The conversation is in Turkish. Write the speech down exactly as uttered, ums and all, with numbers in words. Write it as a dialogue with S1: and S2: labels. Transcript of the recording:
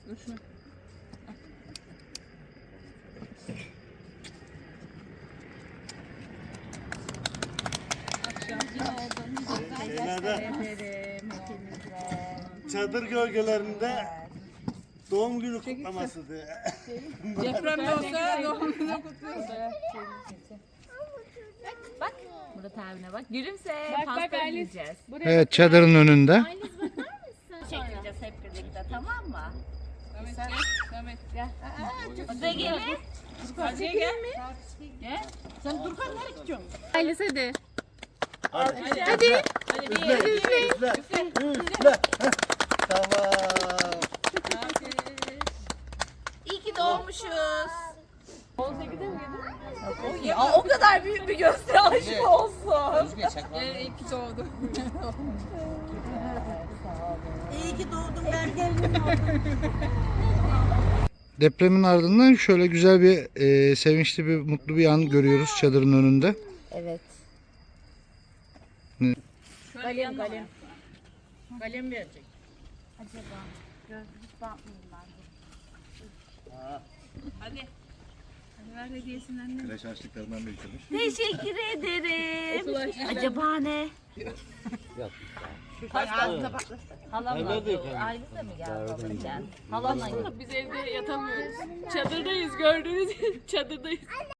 S1: Dur şunu.
S2: Şeylerde, çadır gölgelerinde doğum günü kutlaması diye.
S1: Deprem de olsa doğum günü kutluyoruz.
S3: Bak Murat abine bak. Gülümse.
S1: Bak,
S3: Pasta
S1: bak, Alice.
S3: yiyeceğiz.
S4: Evet, çadırın önünde.
S3: Çekeceğiz hep birlikte, tamam mı?
S1: Samet gel. Samet gel.
S3: Size gelin.
S1: Hadi gel. Gel. Sen dur kan nereye gidiyorsun? Alice hadi.
S2: Hadi.
S1: Hadi.
S3: Hadi bir
S2: Üfle, üfle, üfle. Tamam.
S3: İyi ki doğmuşuz. Ya o kadar büyük bir gösteri aşk olsun.
S1: Ee, iyi ki doğdu.
S3: İyi ki doğdun ben gelinim oldum.
S4: Depremin ardından şöyle güzel bir e, sevinçli bir mutlu bir an görüyoruz çadırın önünde.
S3: Evet.
S4: Ne?
S3: Kalem kalem.
S1: Kalem verecek.
S3: Acaba gözlük bakmayayım ben.
S1: Hadi. Hadi ver hediyesini anne.
S2: Kreş açlıklarından da bitirmiş.
S3: Teşekkür ederim. Acaba ne? Ağzına patlasın. Halamla. Ailesi mi geldi babacığım? Halamla.
S1: Biz evde yatamıyoruz. Çadırdayız gördüğünüz gibi çadırdayız.